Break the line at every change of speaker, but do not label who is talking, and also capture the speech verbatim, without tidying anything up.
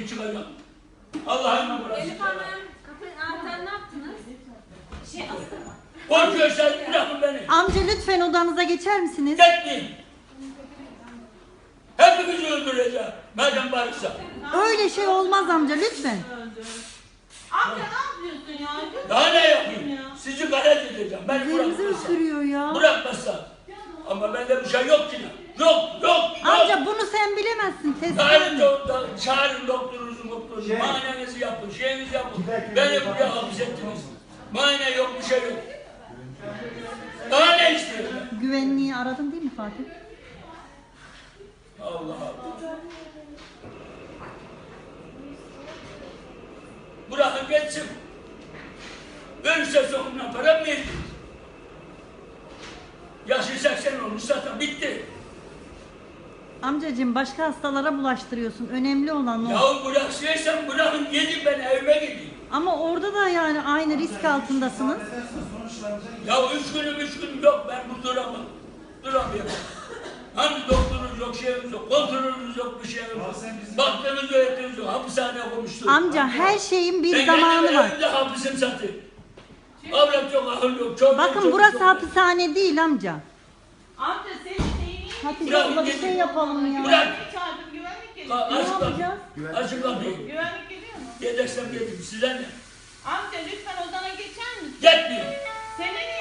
gibi çıkacağım. Allah'ım burası.
Elif Hanım, kapı anahtarı ne yaptınız? Şey astım.
Korkuyorsan bırakın beni.
Amca lütfen odanıza geçer misiniz?
Gitmeyin. Hepimizi öldüreceğim. Madem varsa.
Öyle şey olmaz amca lütfen.
Amca ne yapıyorsun ya?
Daha ne yapayım? Sizi galet edeceğim. Beni
Üzerimizi
bırakmazsa.
ısırıyor ya.
Bırakmazsa. Ama bende bir şey yok ki. Yok, yok, yok.
Amca bunu sen bilemezsin. Test
Çağırın,
edemem.
doktor, çağırın doktorunuzu, doktorunuzu.
Şey.
Muayenenizi yapın, şeyinizi yapın.
Giderken
Beni
bir
buraya
bakın.
hapsettiniz. Muayene yok, bir şey yok. Daha ne istiyorsun?
Güvenliği aradın değil mi Fatih?
Allah Allah. Bırakın geçsin. Ölürse sonuna para mı verdiniz? Yaşı seksen olmuş zaten bitti.
Amcacığım başka hastalara bulaştırıyorsun. Önemli olan o.
Yahu bıraksaysan bırakın gidin ben evime gideyim.
Ama orada da yani aynı risk altındasınız.
Ya üç günüm üç gün yok ben bu duramam. Duramıyorum. Hani doktorunuz yok, şeyimiz yok, kontrolünüz yok, bir şeyimiz yok. Baktığınız öğretiniz yok, hapishaneye koymuşsunuz.
Amca her şeyin bir
ben
zamanı
kendim
var.
evimde hapisim satayım. Avrat yok, ahıl yok, çok
Bakın
çok,
burası
çok,
hapishane değil amca.
Amca senin neyin?
Hatice
Bırak,
abla bir
gidin.
şey yapalım ya.
Bırak.
Güvenlik çağırdım, güvenlik
Ka-
geliyor.
Ne
Açık kapıyı.
yapacağız?
Açık kapıyı.
Güvenlik geliyor mu?
Yedeksen gelin, size ne?
Amca lütfen odana geçer misin?
Gitmeyin.
Senin